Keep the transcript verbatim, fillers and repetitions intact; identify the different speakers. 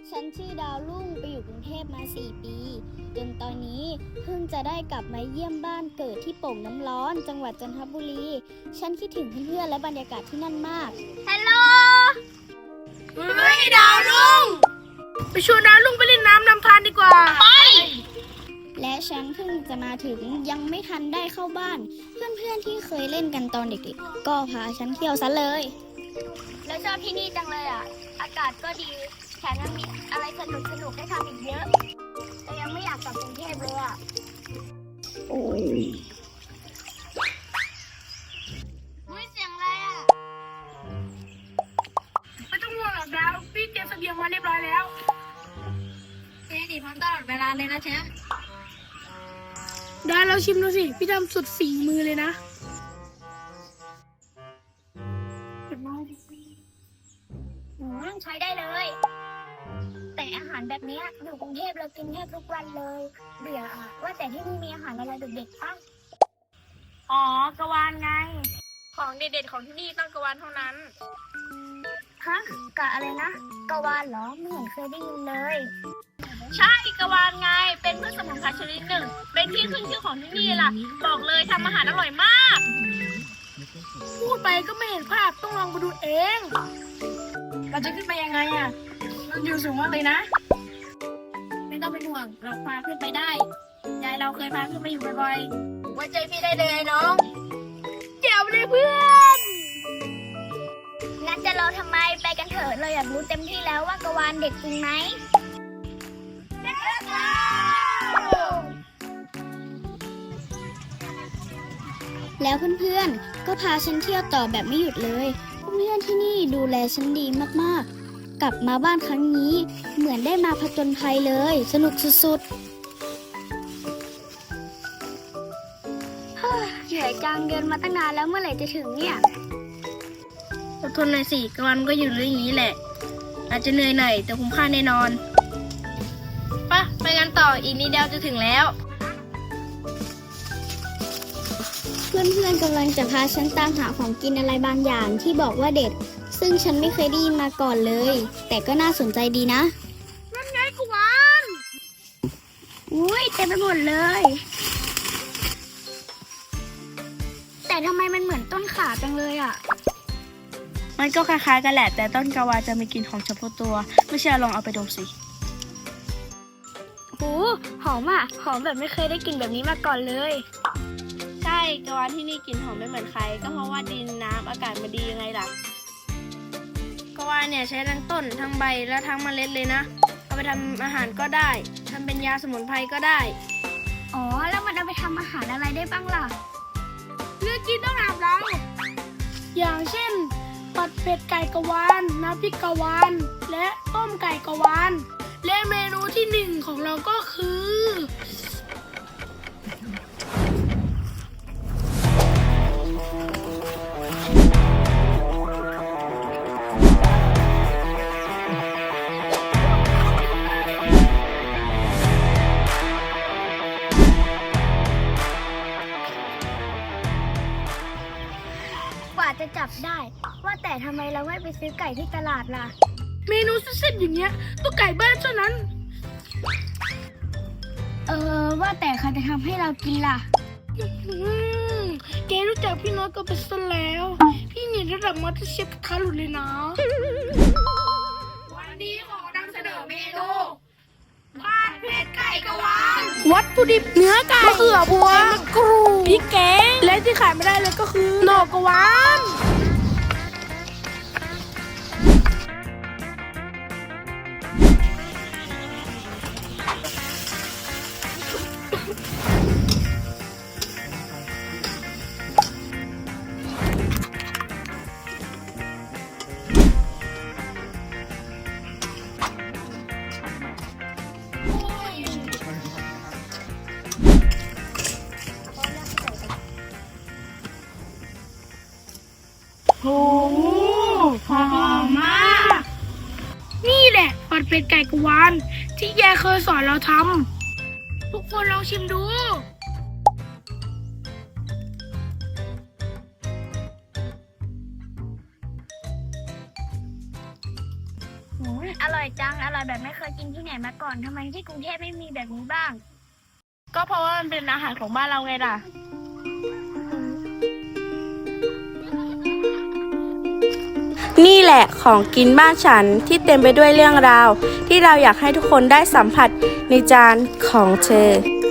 Speaker 1: ฉันชื่อดาวรุ่งไปอยู่กรุงเทพมาสี่ปีจนตอนนี้เพิ่งจะได้กลับมาเยี่ยมบ้านเกิดที่โป่งน้ำร้อนจังหวัดจันทบุรีฉันคิดถึงเพื่อนๆและบรรยากาศที่นั่นมากฮัลโหล
Speaker 2: เฮ้ยดาวรุ่งไปชวนดาวรุ่งไปเล่นน้ำนำทานดีกว่าไป
Speaker 1: และฉันเพิ่งจะมาถึงยังไม่ทันได้เข้าบ้านเพื่อนๆที่เคยเล่นกันตอนเด็กๆก็พาฉันเที่ยวซะเลยแล้วชอบที่นี่จังเลยอ่ะอากาศก็ดีแถมยังมีอะไรสนุกสนุกได้ทำอีกเยอะแต่ยังไม่อยากกลับกรุงเทพเลยอ่ะโอ้ยอุ้ยเสียงอะไรอ่ะ
Speaker 2: ไม่ต้องห่วงหรอกดาวพี่เตรียมเสบียงมาเรียบร้อยแล้ว
Speaker 1: เจ๊ดีพร้อมตลอดเวลาเลยนะเชฟ
Speaker 2: ได้แล้วชิมดูสิพี่ทำสุดฝีมือเลยนะ
Speaker 1: ใช้ได้เลยแต่อาหารแบบนี้อยู่กรุงเทพเรากินแทบทุกวันเลยเบื่ออ่ะว่าแต่ที่นี่มีอาหารอะไรเด็ดๆป่ะ
Speaker 2: อ๋อกะวานไงของเด็ดๆของที่นี่ต้องกะวานเท่านั้น
Speaker 1: ฮะกะอะไรนะกะวานเหรอไม่เห็นเคยได้ยินเลย
Speaker 2: ใช่กะวานไงเป็นพืชสมุนไพรชนิดหนึ่งเป็นที่ขึ้นชื่อของที่นี่ล่ะบอกเลยทำอาหารอร่อยมากพูดไปก็ไม่เห็นภาพต้องลองมาดูเองเราจะขึ้นไปยังไงอ่ะมันอยู่สูงมากเลยนะไม่ต้องเป็นห่วงเราพาขึ้นไปได้ยายเราเคยพาขึ้นไปอยู่บ่อยๆไว้ใจพี่ได้เลยน้องเจ๋วเลยเพื่อน
Speaker 1: งั้นจะรอทำไมไปกันเถอะเราอยากรู้เต็มที่แล้วว่ากะวานเด็ดจริงไหมแล้วเพื่อนๆก็พาฉันเที่ยวต่อแบบไม่หยุดเลยเพื่อนที่นี่ดูแลฉันดีมากๆกลับมาบ้านครั้งนี้เหมือนได้มาผจญภัยเลยสนุกสุดๆเหนื่อยจังเดินมาตั้งนานแล้วเมื่อไหร่จะถึงเนี่ย
Speaker 2: อดทนหน่อยสิกลางวันก็อยู่เรื่องนี้แหละอาจจะเหนื่อยหน่อยแต่คุ้มค่าแน่นอนปะไปกันต่ออีกนิดเดียวจะถึงแล้ว
Speaker 1: เพื่อนๆกำลังจะพาฉันตามหาของกินอะไรบางอย่างที่บอกว่าเด็ดซึ่งฉันไม่เคยได้ยินมาก่อนเลยแต่ก็น่าสนใจดีนะ
Speaker 2: นั่นไงกวาน
Speaker 1: อุ้ยเต็มไปหมดเลยแต่ทำไมมันเหมือนต้นขาจังเลยอ่ะ
Speaker 2: มันก็คล้ายๆกันแหละแต่ต้นกวานจะมีกลิ่นหอมเฉพาะตัวไม่เชื่อลองเอาไปดมสิ
Speaker 1: โหหอมอ่ะหอมแบบไม่เคยได้กลิ่นแบบนี้มาก่อนเลย
Speaker 2: ใช่กวานที่นี่กลิ่นหอมไม่เหมือนใครก็เพราะว่าดินน้ำอากาศมันดียังไงล่ะกวานเนี่ยใช้ทั้งต้นทั้งใบและทั้งเมล็ดเลยนะเอาไปทำอาหารก็ได้ทำเป็นยาสมุนไพรก็ได้
Speaker 1: อ๋อแล้วมันเอาไปทำอาหารอะไรได้บ้างล่ะ
Speaker 2: เลือกกินต้องถามเราอย่างเช่นผัดเผ็ดไก่กวานน้ำพริกกวานและต้มไก่กวานและเมนูที่หนึ่งของเราก็คื
Speaker 1: อกว่าจะจับได้ว่าแต่ทำไมเราไม่ไปซื้อไก่ที่ตลาดล่ะ
Speaker 2: เมนูเส้นๆอย่างเงี้ยต้องไก่บ้านเท่านั้น
Speaker 1: เออว่าแต่ใครจะทำให้เรากินล่ะ
Speaker 2: แกรู้จักพี่น้อยก็เป็นซะแล้วพี่เนี่ยระดับมาสเตอร์เชฟคาหลุดเลยนะวันนี้ขอนำเสนอเมนูผัดเผ็ดไก่กวานวัตถุดิบเนื้อไก่มะเขือพวงมะกรูดพริกแกงและที่ขายไม่ได้เลยก็คือหน่อกวานโอ้หอมมากนี่แหละผัดเผ็ดไก่กวานที่ยายเคยสอนเราทำทุกคนลองชิมดู
Speaker 1: อืมอร่อยจัง อร่อยแบบไม่เคยกินที่ไหนมาก่อน ทำไมที่กรุงเทพไม่มีแบบนี้บ้าง
Speaker 2: ก็เพราะว่ามันเป็นอาหารของบ้านเราไงล่ะ
Speaker 3: นี่แหละของกินบ้านฉันที่เต็มไปด้วยเรื่องราว ที่เราอยากให้ทุกคนได้สัมผัสในจานของเธอ